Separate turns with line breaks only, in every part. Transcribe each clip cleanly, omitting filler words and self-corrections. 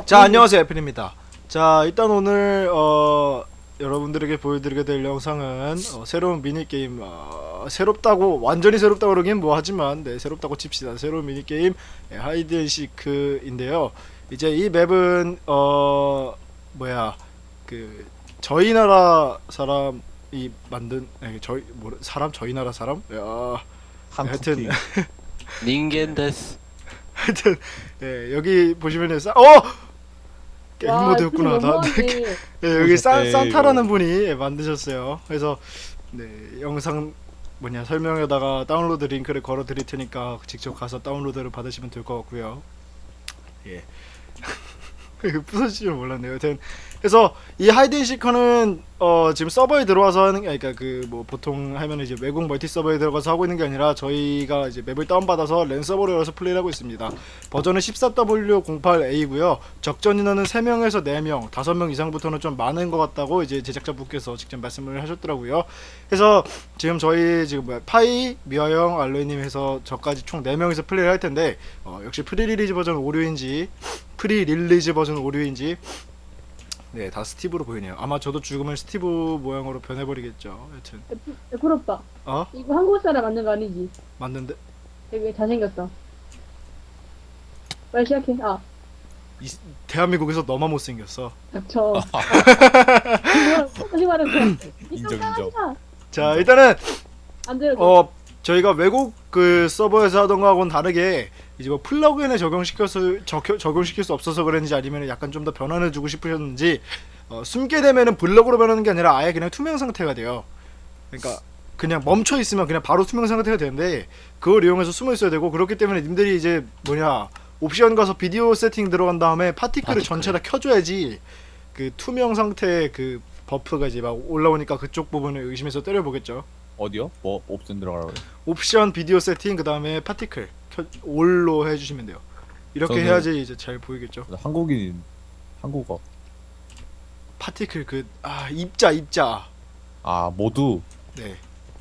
자, 안녕하세요, 애플입니다. 자, 일단 오늘 여러분들에게 보여드리게 될 영상은 새로운 미니게임, 새롭다고 완전히 새롭다고 그러긴 뭐하지만 네, 새롭다고 칩시다. 새로운 미니게임 하이드앤시크인데요. 이제 이 맵은 뭐야, 그 저희 나라 사람이 만든 저희 나라 사람? 하여튼
닌겐 데스.
하여튼 여기 보시면은 게임 모드였구나. 여기 산타라는 분이 만드셨어요. 그래서 네, 영상 설명에다가 다운로드 링크를 걸어 드릴 테니까 직접 가서 다운로드를 받으시면 될 것 같고요. 예. 부서질 줄 몰랐네요. 하여튼 그래서 이 하이드앤시커는 지금 서버에 들어와서 하는 게, 그러니까 보통 하면 이제 외국 멀티 서버에 들어가서 하고 있는 게 아니라 저희가 이제 맵을 다운받아서 랜 서버로 열어서 플레이를 하고 있습니다. 버전은 14W08A고요. 적전 인원은 3명에서 4명, 5명 이상부터는 좀 많은 것 같다고 이제 제작자분께서 직접 말씀을 하셨더라고요. 그래서 지금 저희 파이, 미화영, 알로이님 해서 저까지 총 4명이서 플레이를 할 텐데 역시 프리릴리즈 버전 오류인지 네, 다 스티브로 보이네요. 아마 저도 죽으면 스티브 모양으로 변해버리겠죠. 여튼
애플 오빠,
어?
이거 한국 사람 만든 거 아니지?
맞는데
되게 잘생겼어. 빨리 시작해.
대한민국에서 너만 못생겼어.
닥쳐. 다시 말해.
인정.
자, 일단은
안 들어줘.
저희가 외국 그 서버에서 하던 거하고는 다르게 이제 플러그인에 적용시킬 수 없어서 그랬는지 아니면 약간 좀 더 변환을 주고 싶으셨는지 숨게 되면은 블럭으로 변하는 게 아니라 아예 그냥 투명 상태가 돼요. 그러니까 그냥 멈춰 있으면 그냥 바로 투명 상태가 되는데 그걸 이용해서 숨어 있어야 되고, 그렇기 때문에 님들이 이제 옵션 가서 비디오 세팅 들어간 다음에 파티클을 전체 다 켜줘야지 그 투명 상태의 그 버프가 이제 막 올라오니까 그쪽 부분을 의심해서 때려보겠죠.
어디요? 뭐 옵션 들어가라고 그래?
옵션 비디오 세팅 그 다음에 파티클 올로 해주시면 돼요. 이렇게
저는-
해야지 이제 잘 보이겠죠.
한국인 한국어.
파티클 입자
모두
네.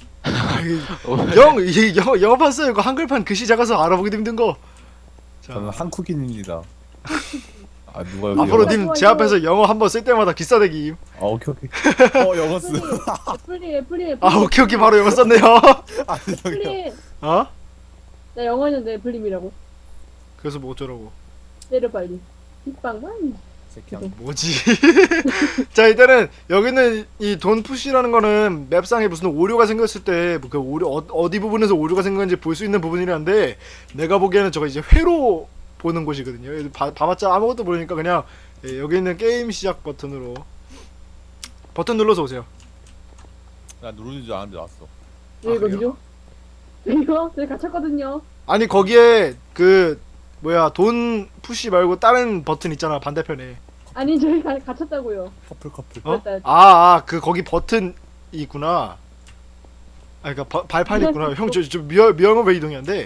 영어판 써요. 이거 한글판 글씨 작아서 알아보기도 힘든 거. 자,
저는 한국인입니다. 누가 여기
앞으로
영어-
님 제 앞에서 영어 한번 쓸 때마다 기싸대기.
오케이. 영어 쓰.
애플이.
오케이 바로 영어 썼네요.
저기요.
애플이.
어?
나 영어 했는데 애플님이라고.
그래서 뭐 어쩌라고.
때려 빨리. 빗방만.
새끼야.
뭐지? 자, 일단은 여기는 이 돈 푸시라는 거는 맵상에 무슨 오류가 생겼을 때 그 오류 어디 부분에서 오류가 생겼는지 볼 수 있는 부분이라는데, 내가 보기에는 저거 이제 회로 보는 곳이거든요. 봐봤자 아무것도 모르니까 그냥 여기 있는 게임 시작 버튼으로 버튼 눌러서 오세요.
나 누르는 줄 알았는데 나왔어.
왜
그래요?
이거죠? 이거 저희 갇혔거든요.
아니 거기에 돈 푸시 말고 다른 버튼 있잖아, 반대편에.
아니 저희 갇혔다고요.
커플.
맞다.
거기 버튼 있구나. 그러니까 발판이 있구나. 형, 저 미영은 왜 이동이 안 돼?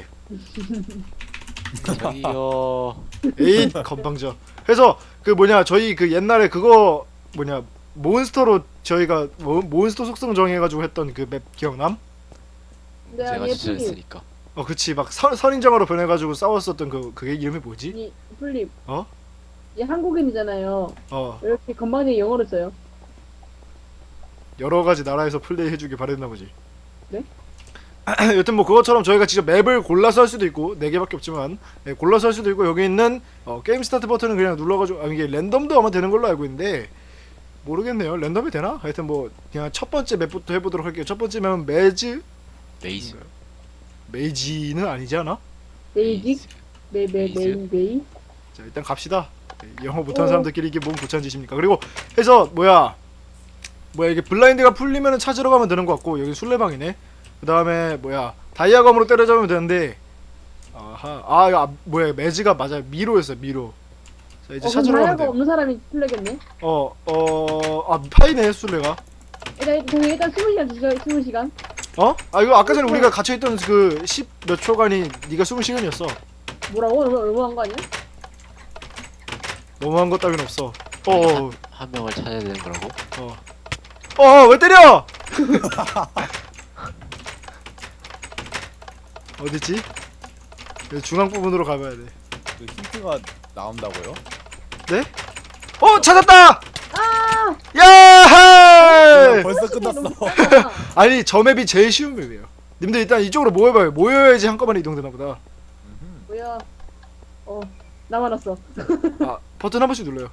저기요.
에잇 건방져. 그래서 저희 옛날에 그거 몬스터로 저희가 몬스터 속성 정해가지고 했던 그 맵 기억남?
네,
제가
아니 애플님.
추천했으니까.
그치, 막 선인장으로 변해가지고 싸웠었던 그게 이름이 뭐지?
아니 애플님.
어?
얘 한국인이잖아요.
어,
이렇게 건방지게 영어를 써요.
여러 가지 나라에서 플레이해주길 바랬나 보지.
네?
여튼 그것처럼 저희가 직접 맵을 골라서 할 수도 있고, 4개밖에 없지만 골라서 할 수도 있고, 여기 있는 게임 스타트 버튼은 그냥 눌러가지고 이게 랜덤도 아마 되는 걸로 알고 있는데 모르겠네요. 랜덤이 되나? 하여튼 그냥 첫 번째 맵부터 해보도록 할게요. 첫 번째 맵은
메이즈.
메이지는 아니지 않아?
베이직. 메이.
자, 일단 갑시다. 영어 못하는 사람들끼리 이게 뭔 부찬 짓입니까? 그리고 해서 이게 블라인드가 풀리면은 찾으러 가면 되는 것 같고, 여기 술래방이네. 그 다음에 다이아검으로 때려잡으면 되는데, 매즈가 맞아요. 미로였어요, 미로. 자, 이제 찾으러 가면
다이아가
돼요.
없는 사람이 플래겠네.
파이네, 술래가.
일단 20시간 주세요. 20시간.
이거 아까 전에 우리가 갇혀있던 그 10 몇 초간이 네가 20시간이었어.
뭐라고? 너무한 거 아니야?
너무한 것 따윈 없어.
한 명을 찾아야 되는 거라고?
왜 때려! 어디지? 중앙 부분으로 가봐야 돼.
그 힌트가 나온다고요?
네? 찾았다!
아!
야!
벌써 끝났어.
아니 저 맵이 제일 쉬운 맵이에요. 님들 일단 이쪽으로 모여봐요. 모여야지 한꺼번에 이동되나 보다.
뭐야? 나만 왔어.
아 버튼 한 번씩 눌러요.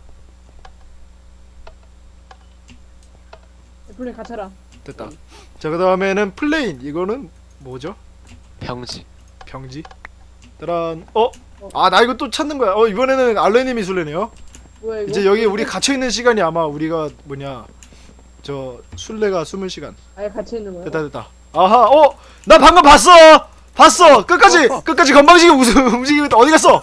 블랙 갇혀라.
됐다. 자 그 다음에는 플레인. 이거는 뭐죠?
평지.
병지. 따란. 아 나 이거 또 찾는 거야. 이번에는 알레님이 술래네요.
뭐야 이거?
이제 여기 우리 갇혀 있는 시간이 아마 우리가 뭐냐 저 술래가 숨을 시간.
아예 갇혀 있는 거야?
됐다. 아하. 나 방금 봤어. 끝까지 건방지게 움직이고 있다. 어디 갔어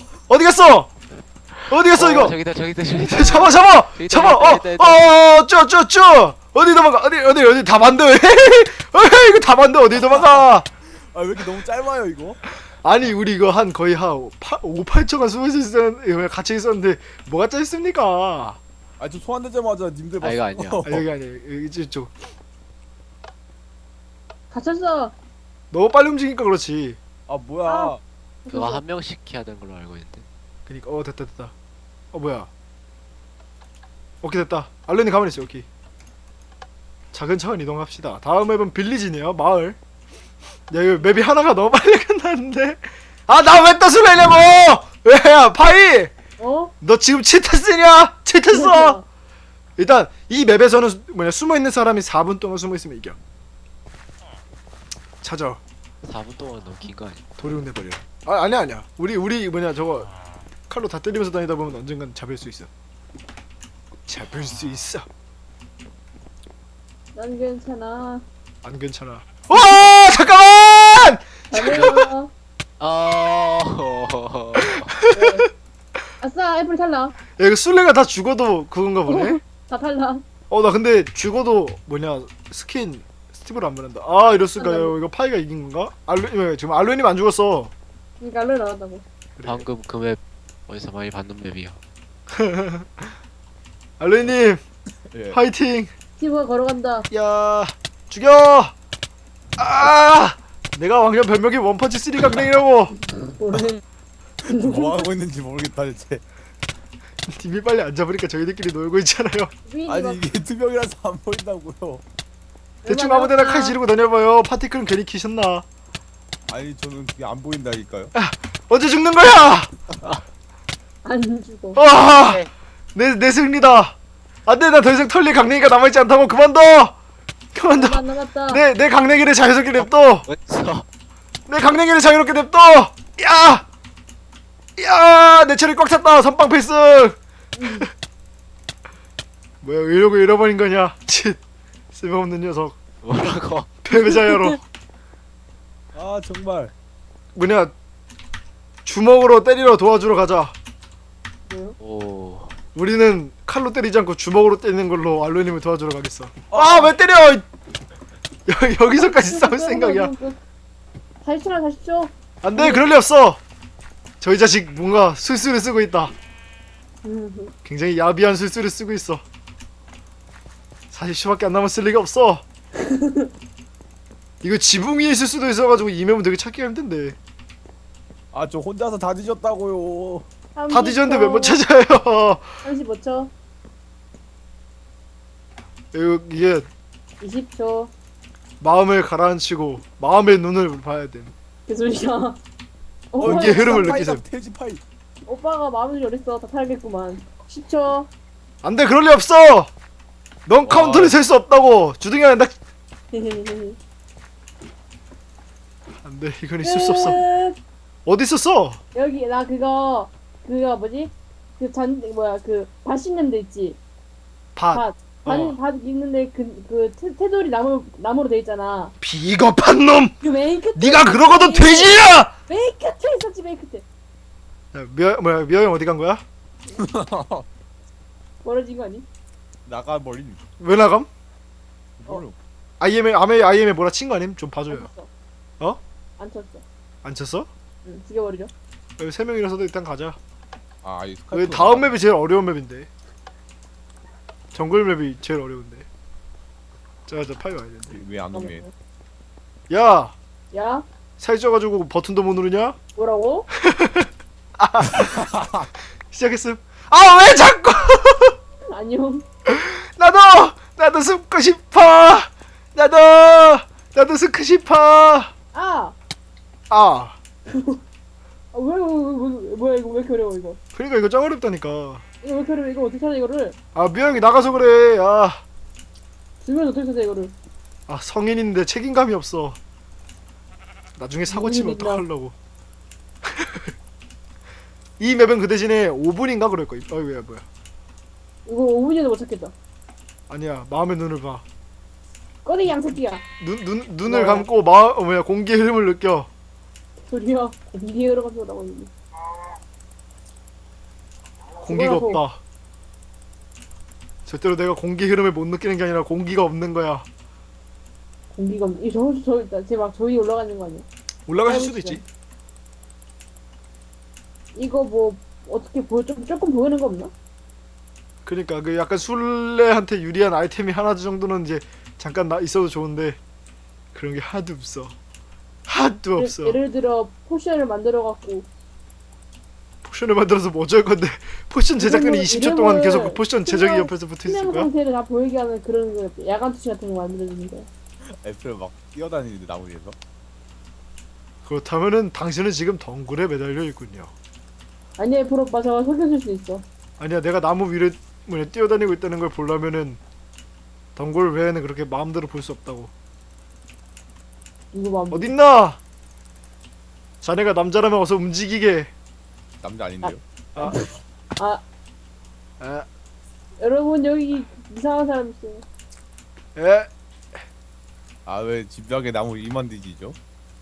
이거?
저기다.
잡아. 쭈. 어디 도망가? 어디 다 만져. 이거 다 만져. 어디 도망가?
아 왜 이렇게 너무 짧아요 이거?
아니 우리 이거 한 거의 한 5, 8초간 숨어있었는데 갇혀 있었는데 뭐가 짜있습니까?
아저 소환되자마자 님들 봤어.
이거 아니야.
여기 아니야. 여기 이쪽.
갇혔어.
너무 빨리 움직이니까 그렇지.
아 뭐야?
아.
그거 한 명씩 해야 되는 걸로 알고 있는데.
그니까 됐다. 뭐야? 오케이 됐다. 알렌이 가만히 있어. 오케이. 차근차근 이동합시다. 다음 맵은 빌리지네요. 마을. 야 이거 맵이 하나가 너무 빨리 끝났는데. 아 나 왜 또 술래냐고? 왜야 파이? 너 지금 치트쓰냐? 치트써. 일단 이 맵에서는 숨어 있는 사람이 4분 동안 숨어 있으면 이겨. 찾아.
4분 동안 너무 긴 거 아니야?
도리훈 내버려. 아니야. 우리 저거 칼로 다 때리면서 다니다 보면 언젠간 잡을 수 있어.
난 괜찮아.
안 괜찮아. 잠깐만!
잘해요. 아싸 애플 탈락.
야 이거 술래가 다 죽어도 그건가 보네.
다 탈락.
나 근데 죽어도 스킨 스티브로 안 변한다. 이럴 수가요. 이거 파이가 이긴 건가? 지금 알루님 안 죽었어.
그러니까 알로 나왔다고.
그래.
방금 그 맵 어디서 많이 봤는 맵이야.
알루님
예.
파이팅.
스티브가 걸어간다.
야 내가 왕년 별명이 원펀치 3강냉이라고.
뭐래?
뭐 하고 있는지 모르겠다 대체.
님이 빨리 안 잡으니까 저희들끼리 놀고 있잖아요.
아니 이게 투명이라서 안 보인다고요.
대충 아무데나 칼 지르고 다녀봐요. 파티클은 괜히 키셨나?
아니 저는 그게 안 보인다니까요.
언제 죽는 거야?
안 죽어.
내 승리다. 안돼 나 더 이상 털릴 강냉이가 남아있지 않다고. 그만둬.
안 남았다.
내 강냉이를 자유롭게 냅둬.
어디서?
내 강냉이를 자유롭게 냅둬. 내 체력이 꽉 찼다. 선빵 필승. 뭐야 이러고 잃어버린 거냐? 칫 쓸모없는 녀석.
뭐라고?
패배자여로.
아 정말.
주먹으로 때리러 도와주러 가자.
뭐요?
오.
우리는 칼로 때리지 않고 주먹으로 때리는 걸로 알로님을 도와주러 가겠어. 왜 때려? 여기서까지 싸울 생각이야.
40초나 40초.
안돼 그럴 리 없어. 저희 자식 뭔가 술수를 쓰고 있다. 굉장히 야비한 술수를 쓰고 있어. 40초밖에 안 남았을 리가 없어. 이거 지붕 위에 있을 수도 있어가지고 이 맵은 되게 찾기가 힘든데.
아 저 혼자서 다 뒤졌다고요.
다 뒤졌는데 왜 못 찾아요?
35초.
이게
20초.
마음을 가라앉히고 마음의 눈을 봐야 돼.
그 소리야.
이게 흐름을 느끼세요.
돼지파이.
오빠가 마음이 어딨어. 다 탈겠구만. 10초.
안돼 그럴 리 없어. 넌 카운터를 셀 수 없다고. 주둥이 안다. 안돼 이건 있을 수 없어. 어디 있었어?
여기 나 그거 뭐지? 그 밭 씻는 데 있지.
밭.
밭 있는데 그 테두리 나무로 돼 있잖아.
비겁한 놈.
그 맨 끝에.
네가 그러고도 돼지야.
맨 끝에 있었지 맨 끝에.
야, 미아 형 어디 간 거야?
멀어진 거 아니?
나가 버린.
왜 나감?
뭐요?
IM에 뭐라 친 거 아님? 좀 봐줘요.
안 쳤어.
어?
안 쳤어.
안 쳤어?
응, 죽여버리죠.
여기 세 명이라서도 일단 가자.
이
여기 다음 맵이 제일 어려운 맵인데. 정글 맵이 제일 어려운데. 자 파이 와야 되는데.
왜안 오네?
야
야,
살쪄가지고 버튼도 못 누르냐?
뭐라고?
시작했음. 아 왜 자꾸
안녕.
나도 숨고 싶어. 나도 숨고 싶어.
아!
아
뭐야 이거 왜 이렇게 어려워 이거.
그러니까 이거 짱 어렵다니까.
이거 왜 이렇게 어려워 이거 어떻게 찾아 이거를.
아 미영이 나가서 그래.
주면 어떻게 찾아 이거를.
성인인데 책임감이 없어. 나중에 사고 치면
무슨 일이야.
어떡하려고. 이 맵은 그 대신에 5분인가 그럴 거야. 왜 뭐야?
이거 5분이라도 못 찾겠다.
아니야. 마음의 눈을 봐.
꺼내 양새끼야.
눈을
뭐야?
감고 공기의 흐름을 느껴.
소리야. 공기에 들어가서 나고 있는.
공기가
뭐라고?
없다. 절대로 내가 공기 흐름을 못 느끼는 게 아니라 공기가 없는 거야.
공기가 없. 저 있다. 쟤막 저기 올라가는 거 아니야?
올라갈 수도
해보시죠.
있지.
이거 뭐 어떻게 보여 조금 보이는 거 없나?
그러니까 그 약간 술래한테 유리한 아이템이 하나 정도는 이제 잠깐 있어도 좋은데 그런 게 하나도 없어. 하나도 없어.
예를 들어 포션을 만들어 갖고
포션을 만들어서 뭐 어쩔 건데 포션 제작진이 20초 동안 계속 그 포션 제작이 옆에서 붙어 있을
투명
거야?
상태를 다 보이게 하는 그런 거 야간 투시 같은 거 만들어주는 거야.
애플 막 뛰어다니는데 나무 위에서.
그렇다면은 당신은 지금 덩굴에 매달려 있군요.
아니야 프로 오빠 저거 속여줄 수 있어.
아니야 내가 나무 위를 뛰어다니고 있다는 걸 보려면은 덩굴 외에는 그렇게 마음대로 볼 수 없다고.
이거 봐.
어딨나? 자네가 남자라면 어서 움직이게.
남자 아닌데요?
아,
여러분 여기 이상한 사람 있어요.
에?
아 왜 집벽에 나무 위만 뒤지죠?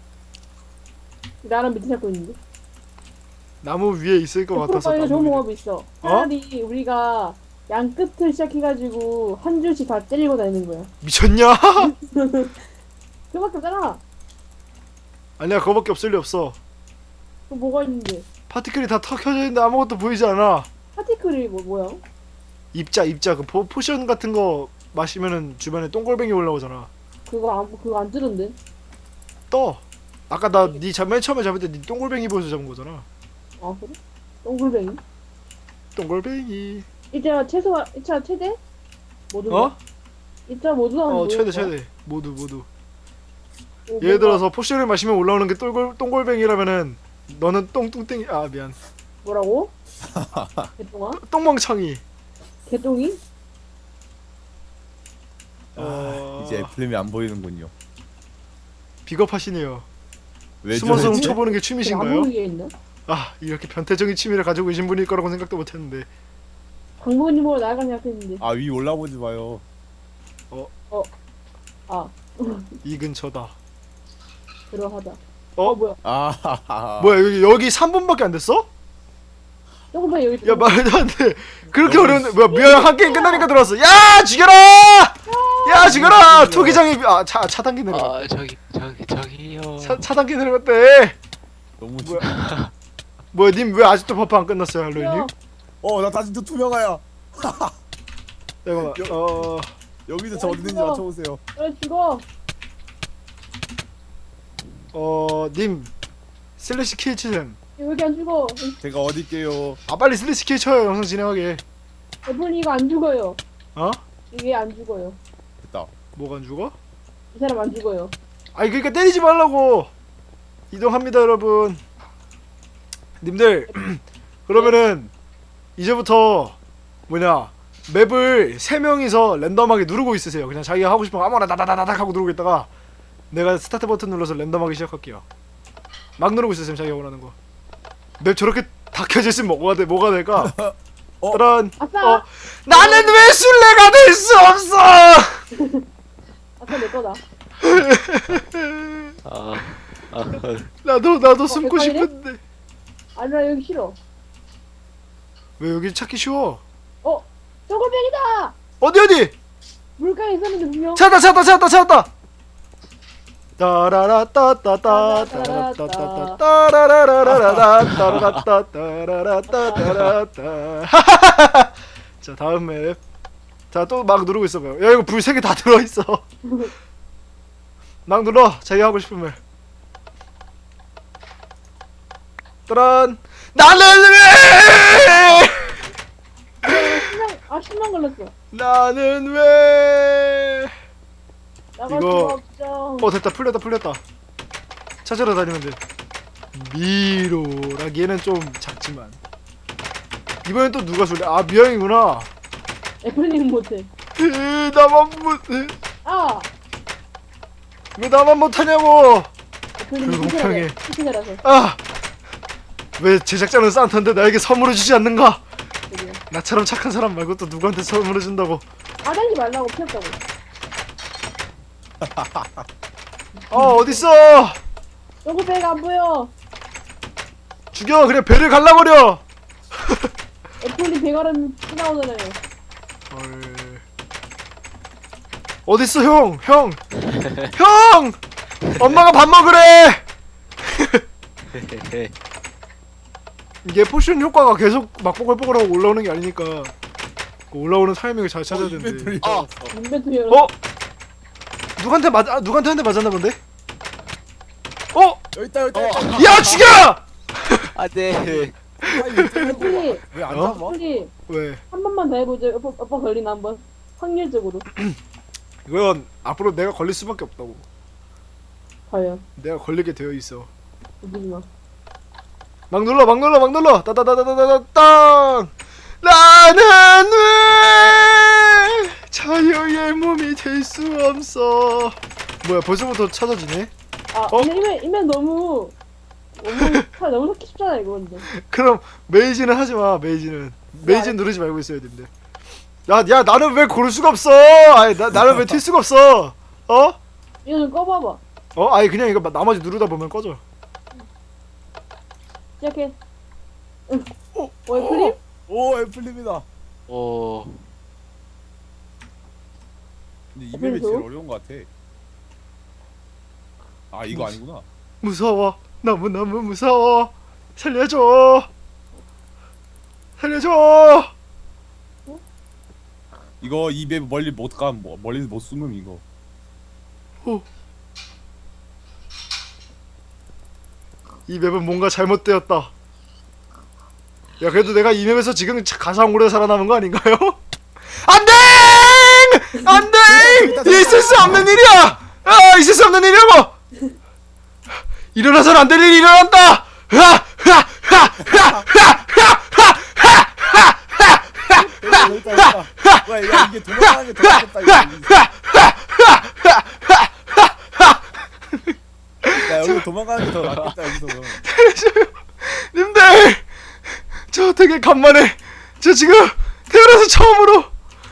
나랑 밑에 잡고 있는데.
나무 위에 있을 것
프로
같아서
오빠 이거 좋은
나무 위에.
방법이 있어. 차라리 우리가 양 끝을 시작해가지고 한 줄씩 다 때리고 다니는 거야.
미쳤냐?
그밖에 없잖아.
아니야 그거밖에 없을 리 없어.
또 뭐가 있는데?
파티클이 다 켜져 있는데 아무것도 보이지 않아.
파티클이 뭐야?
입자 그 포션 같은 거 마시면은 주변에 똥골뱅이 올라오잖아.
그거 안 뜨던데.
떠. 아까 나네 맨 처음에 잡을 때 네 똥골뱅이 보여서 잡은 거잖아.
아 그래? 동글뱅이?
똥골뱅이.
이자 최대? 모두.
어?
이자 모두 나오는
최대. 모두. 예를 들어서 포션을 마시면 올라오는 게 똥골뱅이라면은 너는 똥땡이. 아 미안.
뭐라고? 개똥아?
똥멍청이.
개똥이?
이제 애플님이 안 보이는군요.
비겁하시네요.
왜
숨어서
저러지?
훔쳐보는 게
안
취미신가요?
보이게 있나?
아 이렇게 변태적인 취미를 가지고 계신 분일 거라고 생각도 못했는데.
방문님으로 나아가 생각했는데.
아 위 올라보지 마요.
아
이 근처다.
그러하다.
어?
뭐야?
아
뭐야 여기 3분밖에 안 됐어?
조금만 여기.
야 말도 안 돼. 그렇게
너무
어려운데 뭐야 미안 한 게임 끝나니까 들어왔어. 야 죽여라! 야 죽여라! 투기장이 차단기 내려.
아 저기요.
차단기 내려갔대.
너무
뭐야 님 왜 아직도 버프 안 끝났어요 할로윈님?
나 다시 또 투명아야.
잠깐만.
여기서 저
야,
어디 있는지
이거.
맞춰보세요.
그래 죽어.
님 슬래시 킬 치셈.
여기 안 죽어.
제가 어디 있게요?
아 빨리 슬래시 킬 쳐요 영상 진행하게.
애플 이거 안 죽어요.
어?
이게 안 죽어요.
됐다.
뭐가 안 죽어?
이 사람 안 죽어요.
아니 그러니까 때리지 말라고. 이동합니다 여러분. 님들 그러면은 이제부터 맵을 3명이서 랜덤하게 누르고 있으세요. 그냥 자기가 하고 싶은 거 아무거나 다다다닥 하고 누르고 있다가 내가 스타트 버튼 눌러서 랜덤하게 시작할게요. 막 누르고 있으세요 자기가 원하는 거. 맵 저렇게 다 켜져 있으면 뭐가 될까? 따란.
아싸!
나는 왜 술래가 될 수 없어?
아싸 내 거다.
나도 숨고
빨리?
싶은데.
아니 나 여기 싫어.
왜 여기 찾기 쉬워?
쪼글뱅이다!
어디?
물가에 있었는데 분명.
찾았다. 따라라따따따따라라라라라따라라따따라라따따라따. 자 다음 맵. 자 또 막 누르고 있어봐요. 야 이거 불 3개 다 들어있어. 막 눌러 자기 하고 싶은 맵. 따란. 나는 왜
아 10만 걸렸어.
나는 왜?
나갈
이거-
수가 없죠.
됐다, 풀렸다. 찾으러 다니면 돼. 미로라기에는 좀 작지만. 이번엔 또 누가 술래? 아, 미영이구나.
애플님 못해.
나만 못해.
아
왜 나만 못하냐고.
애플님
불공평해.
피신해라서.
아, 왜 제작자는 산타인데 나에게 선물을 주지 않는가?
저기요.
나처럼 착한 사람 말고 또 누구한테 선물을 준다고?
아다니지 말라고 피웠다고.
어딨어?
저거 배가 안 보여.
죽여. 그냥 배를 갈라버려.
애플님 배가름 피 나오잖아요.
어딨어, 형? 형! 엄마가 밥 먹으래. 이게 포션 효과가 계속 막 뽀글뽀글하고 올라오는 게 아니니까 그 올라오는 타이밍을 잘 찾아야 되는데.
인벤토리
아.
열었어.
인벤토리 열어.
누구한테 한 대 맞았나 본데?
여기 있다.
야, 죽여!
안돼.
애플님
왜안
어?
잡아?
애플님
왜?
한 번만 더 해보죠. 오빠 걸리나 한번. 확률적으로.
이건 앞으로 내가 걸릴 수밖에 없다고.
과연.
내가 걸리게 되어 있어.
웃기지 마.
막 눌러. 따다다다다다땅. 나는 왜 자유의 몸이 될 수 없어. 뭐야, 벌써부터 찾아지네?
아 인벤 너무 너무 찾기 쉽잖아 이거 근데.
그럼 메이지는 하지 마. 메이지는 누르지 말고 있어야 된대. 야, 나는 왜 고를 수가 없어? 아니, 나는 왜 튈 수가 없어?
이거 좀 꺼봐봐.
아니, 그냥 이거 나머지 누르다 보면 꺼져.
시작해. 응. 애플님?
오 애플립니다.
오.
근데 이 맵이
애플립
제일 어려운 것 같아. 아 이거 아니구나.
무서워. 너무너무 무서워. 살려줘.
이거 이 맵 멀리 못 가. 멀리 못 숨음 이거.
이 맵은 뭔가 잘못되었다. 야, 그래도 내가 이 맵에서 지금 가장 오래 살아남은 거 아닌가요? 안돼! 있을 수 없는 일이야! 있을 수 없는 일이라고! 일어나서는 안 될 일이 일어난다!
여기 있다. 야 이게 도망가는 게 더 낫겠다 이거. 야 여기 도망가는 게 더 낫겠다 여기서.
님들! 저 되게 간만에 저 지금 태어나서 처음으로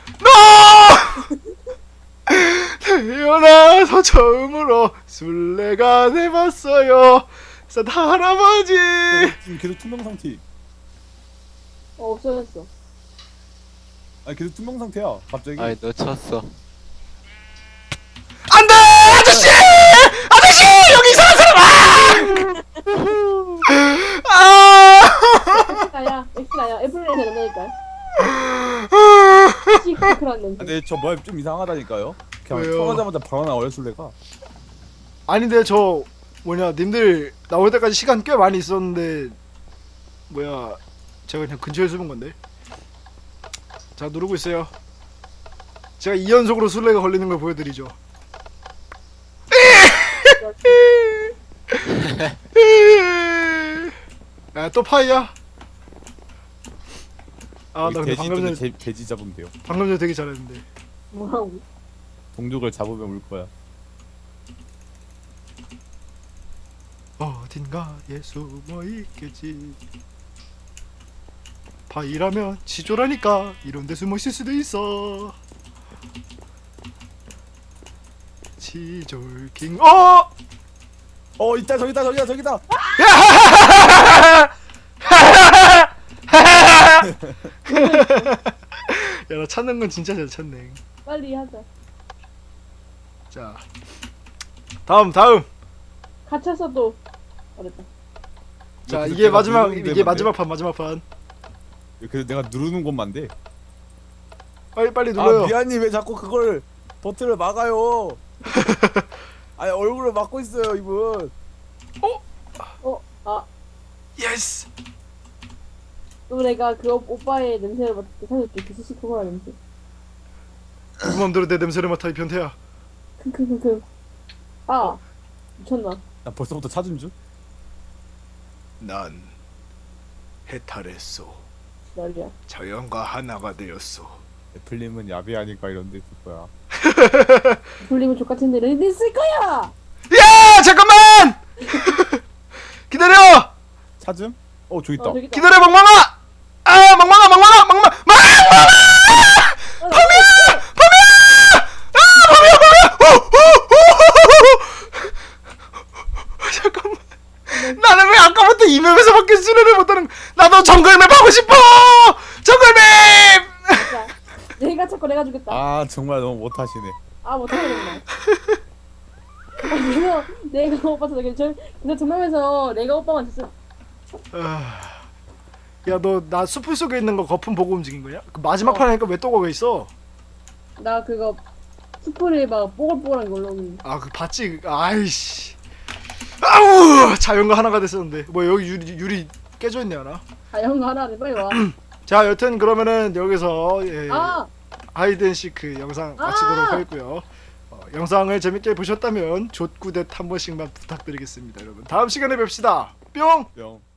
태어나서 처음으로 술래가 돼봤어요. 산타 할아버지.
지금 계속 투명 상태.
없어졌어.
아니 계속 투명 상태야. 갑자기.
아이 놓쳤어.
안돼! 아저씨 여기 이상한 사람.
엑스나야. 애플님이 된다니까. 시크한 냄새.
근데 저 맵 좀 이상하다니까요. 그냥
왜요?
처음하자마자 바로 나와요 술래가.
아닌데 저 님들 나올 때까지 시간 꽤 많이 있었는데 제가 그냥 근처에 숨은 건데. 자, 누르고 있어요. 제가 2연속으로 술래가 걸리는 걸 보여드리죠. 야, 또 파이야? 나 근데 방금 전에
돼지 잡으면 돼요.
되게 잘했는데.
뭐라고?
동족을 잡으면 울 거야.
어딘가에 숨어 있겠지. 파이라면 지조라니까 이런데 숨어 있을 수도 있어. 지졸킹.
있다 저기다.
야, 나 찾는 건 진짜 잘 찾네.
빨리 하자.
자, 다음.
갇혔어도 어렵다.
자,
그래서
이게
내가
마지막
누르는
이게
데만
마지막 판.
그래서 내가 누르는 것만 돼.
빨리 눌러요.
아 미안님 왜 자꾸 그걸 버튼을 막아요. 아니 얼굴을 막고 있어요 이분.
아
예스.
또 내가 그 오빠의 냄새를 맡을 때 사줄게. 그 시시코코라 냄새.
네 맘대로 내 냄새를 맡아 이 변태야.
킁킁킁킁. 아 미쳤나?
나 벌써부터 찾은 줄?
난 해탈했소.
난리야.
자연과 하나가 되었소.
애플님은 야비하니까 이런 데 있을 거야.
돌리면 족같은 데는 있을 거야.
야 잠깐만. 기다려.
찾음? 저기 있다.
저기 있다.
기다려 멍멍아. 아 멍멍아 멍멍아 멍멍아 잠깐만. 나는 왜 아까부터 이 맵에서밖에 수련을 못하는? 나도 정글맵 하고 싶어. 정글맵.
자, 내가 자꾸 내가 주겠다.
아 정말 너무 못하시네.
못하겠네. 내가 오빠 찾아. 근데 정면에서 내가 오빠만 줬어.
야 너 나 숲을 속에 있는 거 거품 보고 움직인 거냐? 그 마지막 판 하니까 왜 또 거기 있어?
나 그거 스프레이 막 뽀글뽀글한 걸로.
아 그 봤지? 아이씨. 아우 자연과 하나가 됐었는데 뭐 여기 유리 깨져 있네 하나.
아 형 하나를 빨리 와.
자 여튼 그러면은 여기서
아
하이드앤시크 영상 마치도록 하겠고요. 영상을 재밌게 보셨다면 좆구댓 한 번씩만 부탁드리겠습니다 여러분. 다음 시간에 뵙시다. 뿅.
뿅.